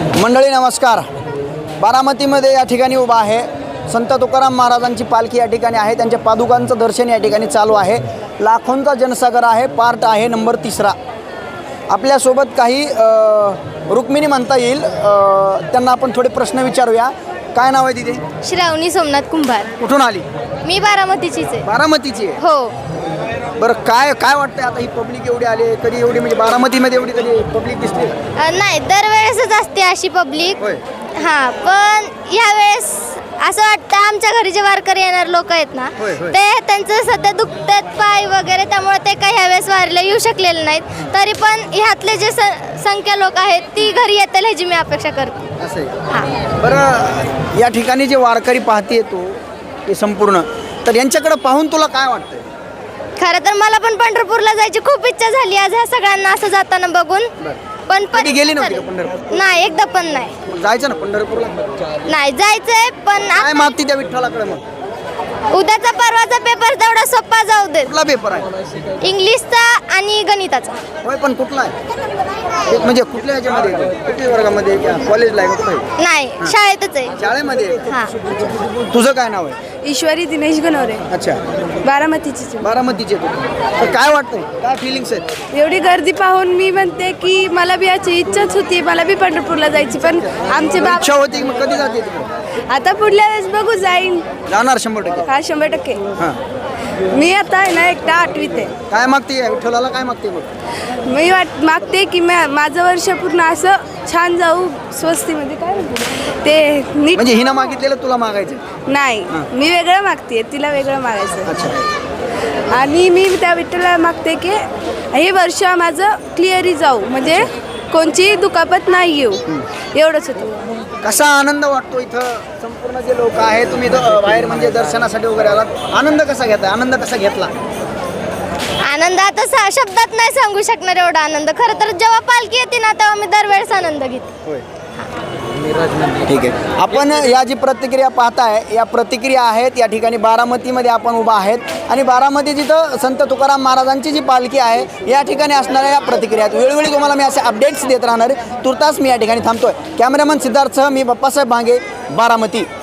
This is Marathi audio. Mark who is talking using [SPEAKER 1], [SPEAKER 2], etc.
[SPEAKER 1] मंडळी नमस्कार. बारामतीमध्ये या ठिकाणी उभा आहे. संत तुकाराम महाराजांची पालखी या ठिकाणी आहे. त्यांच्या पादुकांचं दर्शन या ठिकाणी चालू आहे. लाखोंचा जनसागर आहे. पार्ट आहे नंबर 3. आपल्यासोबत काही रुक्मिणी म्हणता येईल, त्यांना आपण थोडे प्रश्न विचारूया. काय नाव आहे तिथे?
[SPEAKER 2] श्रावणी सोमनाथ कुंभार.
[SPEAKER 1] कुठून आली?
[SPEAKER 2] मी बारामतीचीच आहे.
[SPEAKER 1] बारामतीची आहे.
[SPEAKER 2] हो.
[SPEAKER 1] बरं, काय वाटतंय आता ही पब्लिक एवढी आली, कधी एवढी म्हणजे बारामतीमध्ये एवढी कधी पब्लिक दिसते?
[SPEAKER 2] नाही, दरवेळेसच असते अशी पब्लिक.
[SPEAKER 1] होय.
[SPEAKER 2] हां, पण यावेळेस असं वाटतं आमच्या घरी जे वारकरी येणार लोक आहेत ना,
[SPEAKER 1] होय, होय.
[SPEAKER 2] ते त्यांचं सध्या दुखतात पाय वगैरे, त्यामुळे ते काही ह्यावेळेस वारीला येऊ शकलेले नाहीत. तरी पण ह्यातले जे संख्या लोक आहेत ती घरी येतील ह्याची मी अपेक्षा करते.
[SPEAKER 1] असं आहे.
[SPEAKER 2] हां.
[SPEAKER 1] बरं, या ठिकाणी जे वारकरी पाहते तू ते संपूर्ण, तर यांच्याकडे पाहून तुला काय वाटतंय?
[SPEAKER 2] खरं तर मला पण पंढरपूरला जायची खूप इच्छा झाली आज ह्या सगळ्यांना असं जाताना बघून. पण
[SPEAKER 1] कधी गेली नव्हती का पंढरपूर?
[SPEAKER 2] नाही, एकदा पण नाही.
[SPEAKER 1] जायचं ना पंढरपूरला.
[SPEAKER 2] नाही जायचंय, पण
[SPEAKER 1] काय मागते त्या विठ्ठलाकडे मग?
[SPEAKER 2] उद्याचा परवाचा पेपर तेवढा सोपा जाऊ दे.
[SPEAKER 1] कुठला पेपर आहे?
[SPEAKER 2] इंग्लिशचा आणि गणिताचा.
[SPEAKER 1] होय, पण कुठला आहे? म्हणजे कुठल्या ह्याच्यामध्ये आहे? कुठल्या वर्गामध्ये आहे? कॉलेजला आहे का? कुठं आहे?
[SPEAKER 2] नाही, शाळेतच आहे.
[SPEAKER 1] शाळेमध्ये आहे?
[SPEAKER 2] हां.
[SPEAKER 1] तुझं काय नाव आहे?
[SPEAKER 3] ईश्वरी दिनेश गणवरे,
[SPEAKER 1] अच्छा,
[SPEAKER 3] बारामतीची.
[SPEAKER 1] बारामतीचे तू. तर काय वाटतंय? काय फिलिंग्स आहेत?
[SPEAKER 3] एवढी गर्दी पाहून मी म्हणते की मला बी याची इच्छाच होती, मला बी पंढरपूरला जायची, पण आमचे बाबा
[SPEAKER 1] इच्छा होती की मग कधी जाते तिकडे?
[SPEAKER 3] आता पुढल्या वेळेस बघू जाईन.
[SPEAKER 1] जाणार 100%.
[SPEAKER 3] हा, 100%.
[SPEAKER 1] हां.
[SPEAKER 3] मी आता आहे ना एकटा 8वीत आहे.
[SPEAKER 1] काय मागते या विठ्ठलाला? काय मागते मग?
[SPEAKER 3] मी मागते की माझं वर्ष पूर्ण असं छान जाऊ, स्वस्तीमध्ये काय म्हणते ते नीट.
[SPEAKER 1] म्हणजे हिनं मागितलेलं तुला मागायचं?
[SPEAKER 3] नाही, मी वेगळं मागते, तिला वेगळं मागायचं.
[SPEAKER 1] अच्छा.
[SPEAKER 3] आणि मी त्या विठ्ठलाला मागते की हे वर्ष माझं क्लिअरी जाऊ, म्हणजे कोणची दुखापत नाही येऊ, एवढंच होतं.
[SPEAKER 1] कसा आनंद वाटतो इथं? संपूर्ण जे लोक आहे, तुम्ही इथं बाहेर म्हणजे दर्शनासाठी वगैरे आलात, आनंद कसा घेताय? आनंद कसा घेतला?
[SPEAKER 2] आनंद आता शब्दात नाही सांगू शकणार एवढा आनंद. खरं तर जेव्हा पालखी येते ना तेव्हा मी दरवेळेस आनंद घेते.
[SPEAKER 1] होय. ठीक आहे. आपण या जी प्रतिक्रिया पाहताय, या प्रतिक्रिया आहेत या ठिकाणी बारामतीमध्ये आपण उभा आहेत. आणि बारामती जिथं संत तुकाराम महाराजांची जी पालखी आहे या ठिकाणी असणाऱ्या या प्रतिक्रिया आहेत. वेळोवेळी तुम्हाला मी असे अपडेट्स देत राहणार. तुर्तास मी या ठिकाणी थांबतोय. कॅमेरामन सिद्धार्थसह मी बाप्पासाहेब भांगे, बारामती.